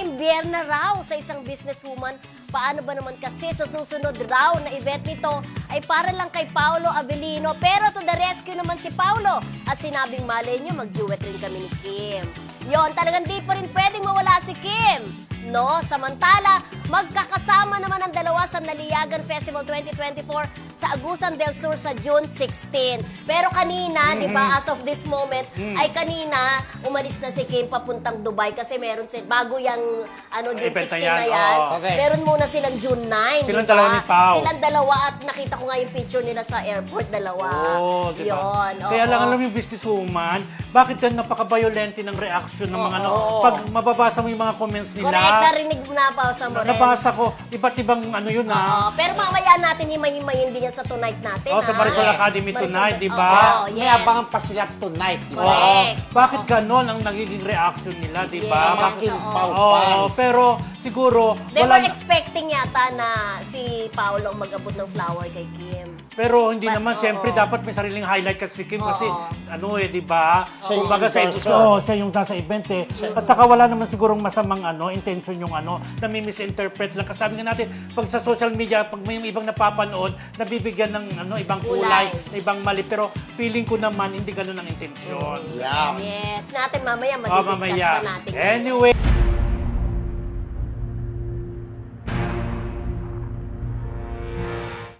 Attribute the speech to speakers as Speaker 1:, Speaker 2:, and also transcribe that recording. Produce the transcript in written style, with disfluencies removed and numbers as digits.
Speaker 1: na-imbiyer na raw sa isang businesswoman. Paano ba naman kasi sa susunod raw na event nito ay para lang kay Paolo Avellino. Pero to the rescue naman si Paolo at sinabing malay niyo mag-duet rin kami ni Kim. Yon, talagang di pa rin pwedeng mawala si Kim. No, samantala, magkakasama naman ang dalawa sa Naliyagan Festival 2024 sa Agusan del Sur sa June 16. Pero kanina, di ba, as of this moment, ay kanina, umalis na si Kim papuntang Dubai kasi meron bago yung June 16 na yan.
Speaker 2: Okay.
Speaker 1: Meron muna silang June 9,
Speaker 2: Silang
Speaker 1: di ba?
Speaker 2: dalawa ni Pao.
Speaker 1: Silang dalawa at nakita ko nga yung picture nila sa airport, dalawa.
Speaker 2: Oo, di ba?
Speaker 1: Yun,
Speaker 2: Kaya
Speaker 1: oo.
Speaker 2: lang alam yung businesswoman, bakit yan napaka-violente ng reaction ng mga pag mababasa mo yung mga comments nila.
Speaker 1: Correct, narinig na pa sa mo rin.
Speaker 2: Nabasa ko, iba't ibang yun
Speaker 1: Oo, pero mamaya natin himay-himayin din yan sa tonight natin.
Speaker 2: Oh, sa
Speaker 1: ha?
Speaker 2: Marisol
Speaker 1: Yes.
Speaker 2: Academy
Speaker 1: Marisol-
Speaker 2: tonight, di ba?
Speaker 1: Oo,
Speaker 3: May
Speaker 1: yes.
Speaker 3: abangan pa sila tonight, di ba?
Speaker 1: Correct.
Speaker 2: Bakit ganon ang nagiging reaction nila, di ba?
Speaker 1: Yes.
Speaker 3: Mga Kim
Speaker 1: Oo.
Speaker 3: Pao
Speaker 2: Oo,
Speaker 3: fans.
Speaker 2: pero siguro,
Speaker 1: They were
Speaker 2: wala,
Speaker 1: expecting yata na si Paolo ang mag-abot ng flower kay Kim.
Speaker 2: pero hindi
Speaker 1: But,
Speaker 2: naman,
Speaker 1: oo.
Speaker 2: siyempre dapat may sariling highlight kasi si Kim kasi,
Speaker 1: Oo.
Speaker 2: di ba?
Speaker 3: Siya yung
Speaker 2: Kumbaga sa
Speaker 3: endorser.
Speaker 2: siya yung nasa event eh. At saka wala naman sigurong masamang intention yung nami-misinterpret lang. Kasi sabi nga natin, pag sa social media, pag may ibang napapanood, nabibigyan ng ibang kulay, na ibang mali. Pero feeling ko naman, hindi ganun ang intensyon.
Speaker 3: Yeah.
Speaker 1: Yes, natin mamaya
Speaker 2: Oh,
Speaker 1: mag-discuss
Speaker 2: mamaya.
Speaker 1: pa natin.
Speaker 2: Anyway.